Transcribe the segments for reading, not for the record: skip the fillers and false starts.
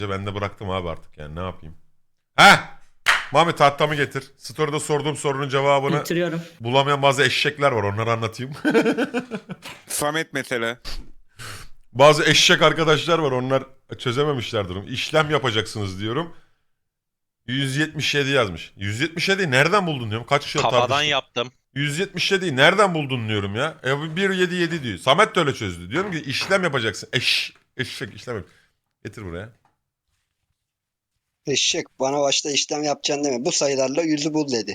Ben de bıraktım abi artık yani ne yapayım. Heh! Mami tahtamı getir. Story'de sorduğum sorunun cevabını Getiriyorum. bulamayan bazı eşekler var, onları anlatayım. Samet mesela. Bazı eşek arkadaşlar var, onlar çözememişler durum. İşlem yapacaksınız diyorum. 177 yazmış. 177'yi nereden buldun diyorum. Kaç kişi Kafadan tartıştık. yaptım. 177'yi nereden buldun diyorum ya. 177 diyor. Samet de öyle çözdü. Diyorum ki işlem yapacaksın. Eşek işlem yap. Getir buraya. Eşek bana başta işlem yapacaksın deme. Bu sayılarla yüzü bul dedi.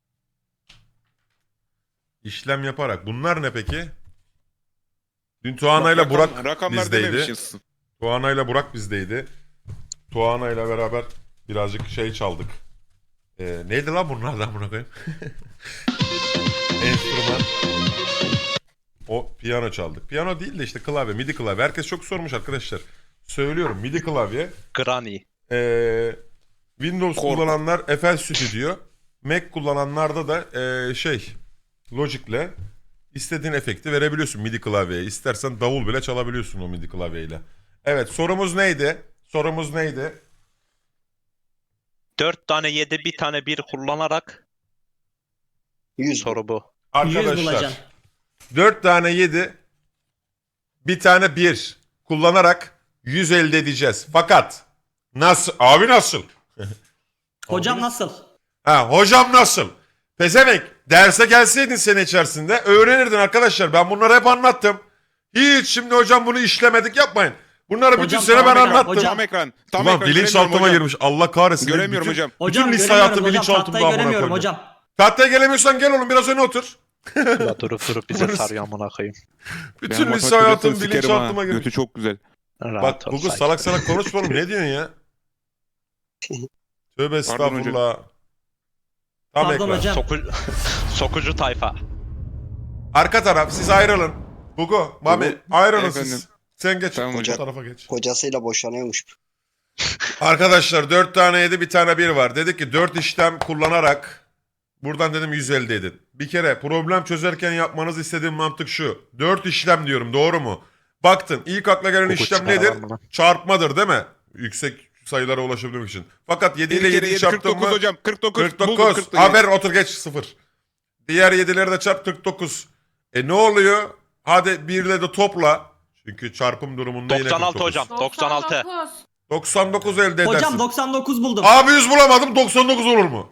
İşlem yaparak. Bunlar ne peki? Dün Tuana'yla Burak rakamlar bizdeydi. dememişiz. Tuana'yla Burak bizdeydi. Tuana'yla beraber birazcık şey çaldık. Neydi lan bunlardan buna koyayım? Enstrüman. O piyano çaldık. Piyano değil de işte klavye, MIDI klavye. Herkes çok sormuş arkadaşlar. Söylüyorum, MIDI klavye. Granny. Windows Kork. kullananlar FL Studio. Mac kullananlarda da Logic'le istediğin efekti verebiliyorsun MIDI klavyeye. İstersen davul bile çalabiliyorsun o MIDI klavyeyle. Evet, sorumuz neydi? 4 tane 7 bir tane 1 kullanarak 100 bul. soru bu. 100 Arkadaşlar bulacaksın. 4 tane 7 bir tane 1 kullanarak 100 elde edeceğiz. Fakat nasıl? Abi nasıl? Hocam nasıl? Ha, hocam nasıl? Pezevenk, derse gelseydin sene içerisinde öğrenirdin arkadaşlar. Ben bunları hep anlattım. Hiç şimdi hocam bunu işlemedik yapmayın. Bunları bütün Hocam, sene ben tamam, anlattım. hocam. Tam ekran. Tam Ulan ekran. bilinçaltıma göremiyorum girmiş. Allah kahretsin. Göremiyorum bütün, hocam. Hocam Bütün lise göremiyorum hayatı hocam. bilinçaltımda Tahtayı amına göremiyorum koyayım. hocam. Tahtaya gelemiyorsan gel oğlum biraz öne otur. La durup bize sarıyor amına koyayım. Bütün Ben lise matematik hayatım dersini sikerim bilinçaltıma ha. girmiş. Götü çok güzel. Rahat Bak ol, Google sakin. salak salak konuşma oğlum, ne diyorsun ya? Tövbe estağfurullah. Tam Pardon ekran. hocam. Sokucu tayfa. Arka taraf siz ayrılın. Gugu, Mami Gugu, ayrılın efendim. siz. Sen geç. Tamam Bu hocam. tarafa geç. Kocasıyla boşanıyormuş. Arkadaşlar 4 tane 7 bir tane 1 var. Dedik ki 4 işlem kullanarak buradan dedim 100 elde edin. Bir kere problem çözerken yapmanız istediğim mantık şu. 4 işlem diyorum, doğru mu? Baktın ilk akla gelen Google işlem çıkar nedir? lan bunu. Çarpmadır değil mi? Yüksek sayılara ulaşabilmek için. Fakat 7 ile 7'yi çarptın 49 mı? hocam. 49. 49. Buldum, 49. Haber otur geç 0. Diğer 7'leri de çarp 49. Ne oluyor? Hadi 1 ile de topla. Çünkü çarpım durumunda yine 96 49. hocam. 96. 99 elde edersin. Hocam 99 buldum. Abi 100 bulamadım, 99 olur mu?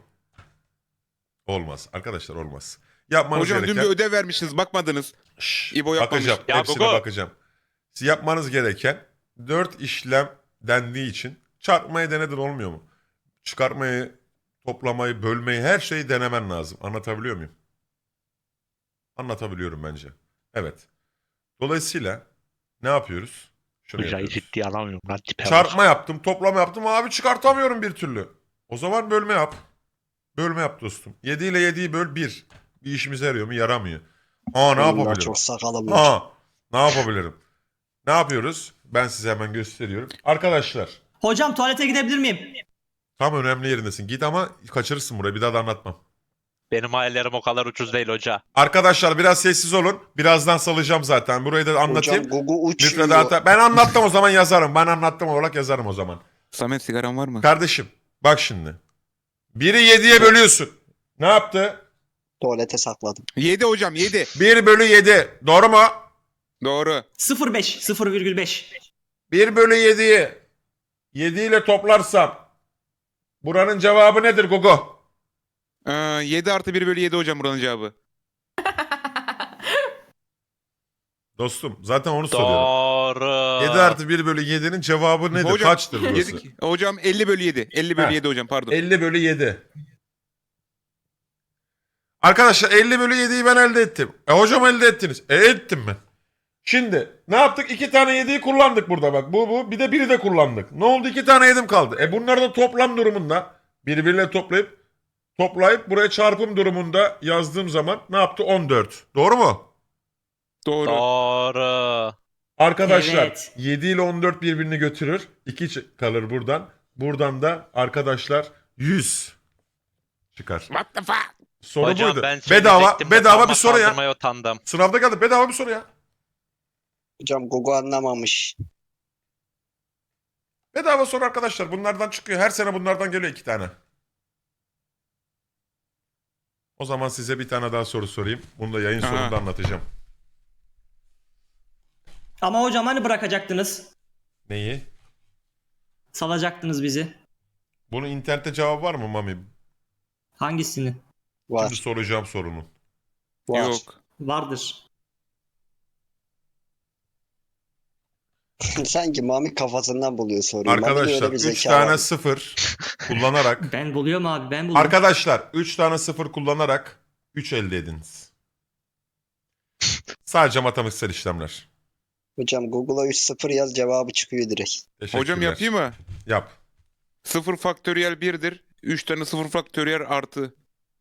Olmaz arkadaşlar, olmaz. Yapmanız Hocam dün gereken... bir ödev vermişsiniz. Bakmadınız. İbo yapmamış. bakacağım. Ya Hepsine Gugu. bakacağım. Siz yapmanız gereken 4 işlem dendiği için çarpmayı denedin, olmuyor mu? Çıkartmayı, toplamayı, bölmeyi, her şeyi denemen lazım. Anlatabiliyor muyum? Anlatabiliyorum bence. Evet. Dolayısıyla ne yapıyoruz? Şunu Hocayı yapıyoruz. ciddiye alamıyorum lan tipe bak. Çarpma yaptım, toplama yaptım. Abi çıkartamıyorum bir türlü. O zaman bölme yap. Bölme yap dostum. 7 ile 7'yi böl 1. Bir işimize yarıyor mu? Yaramıyor. Ne Bunlar yapabilirim? çok sakalım var. Ne yapabilirim? Ne yapıyoruz? Ben size hemen gösteriyorum. Arkadaşlar, Hocam tuvalete gidebilir miyim? tam önemli yerindesin. Git ama kaçırırsın burayı. Bir daha da anlatmam. Benim hayallerim o kadar ucuz değil hoca. Arkadaşlar biraz sessiz olun. Birazdan salacağım zaten. Burayı da anlatayım. Hocam Gugu uçuyor. Müfredata. Ben anlattım o zaman yazarım. Ben anlattım olarak yazarım o zaman. Samet sigaran var mı? Kardeşim bak şimdi. Biri 7'ye bölüyorsun. Ne yaptı? Tuvalete sakladım. 7 hocam 7. 1 bölü 7. Doğru mu? Doğru. 0,5. 0,5. 1 bölü 7'yi 7 ile toplarsam buranın cevabı nedir Gugu? 7 artı 1 bölü 7 hocam buranın cevabı. Dostum zaten onu soruyorum. Doğru. 7 artı 1 bölü 7'nin cevabı nedir? Hocam, Kaçtır burası? 7, hocam 50 bölü 7. 50 bölü Ha. 7 hocam pardon. 50 bölü 7. Arkadaşlar 50 bölü 7'yi ben elde ettim. Hocam elde ettiniz. Ettim ben. Şimdi ne yaptık? 2 tane 7'yi kullandık burada bak. Bu. Bir de 1'i de kullandık. Ne oldu? 2 tane 7'm kaldı. Bunları da toplam durumunda birbirine toplayıp buraya çarpım durumunda yazdığım zaman ne yaptı? 14. Doğru mu? Doğru. Doğru. Arkadaşlar Evet. 7 ile 14 birbirini götürür. 2 kalır buradan. Buradan da arkadaşlar 100 çıkar. What the fuck? Soru Hocam buydu. ben Bedava söyleyecektim de bir parmak soru ya. kaldırmaya utandım. Sınavda geldi. Bedava bir soru ya. Hocam Gugu anlamamış. Bedava soru arkadaşlar. Bunlardan çıkıyor. Her sene bunlardan geliyor 2 tane. O zaman size bir tane daha soru sorayım. Bunu da yayın Aha. sonunda anlatacağım. Ama hocam hani bırakacaktınız? Neyi? Salacaktınız bizi. Bunun internette cevabı var mı Mami? Hangisini? Var. Şimdi soracağım sorunun. Var. Yok. Vardır. Sanki Mami kafasından buluyor soruyu. Mami'de Arkadaşlar öyle bir 3 zeka tane var. 0 kullanarak Ben buluyorum abi, ben buldum. arkadaşlar 3 tane 0 kullanarak 3 elde ediniz. Sadece matematiksel işlemler. Hocam Google'a 3-0 yaz cevabı çıkıyor direkt. Teşekkürler. Hocam yapayım mı? Yap. 0 faktöriyel 1'dir. 3 tane 0 faktöriyel artı.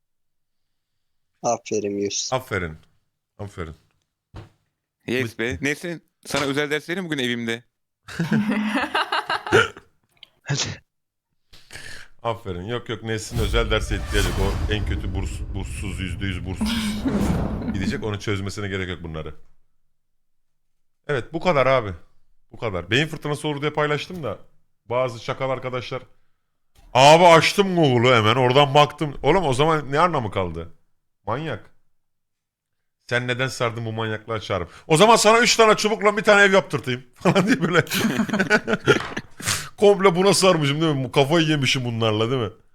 Aferin Yusuf. Aferin. Aferin. Yes be. Neyse sana özel ders vereyim bugün evimde. Aferin. Yok yok Nesin özel derse ihtiyacı. O en kötü burssuz %100 burssuz. Gidecek onu çözmesine gerek yok bunları. Evet bu kadar abi. Bu kadar. Beyin fırtınası olur diye paylaştım da bazı çakal arkadaşlar abi açtım Google'u hemen oradan baktım. Oğlum o zaman ne anlamı kaldı? Manyak. Sen neden sardın bu manyaklığa çağırıp? O zaman sana 3 tane çubukla bir tane ev yaptırtayım falan diye böyle. Komple buna sarmışım değil mi? Kafayı yemişim bunlarla değil mi?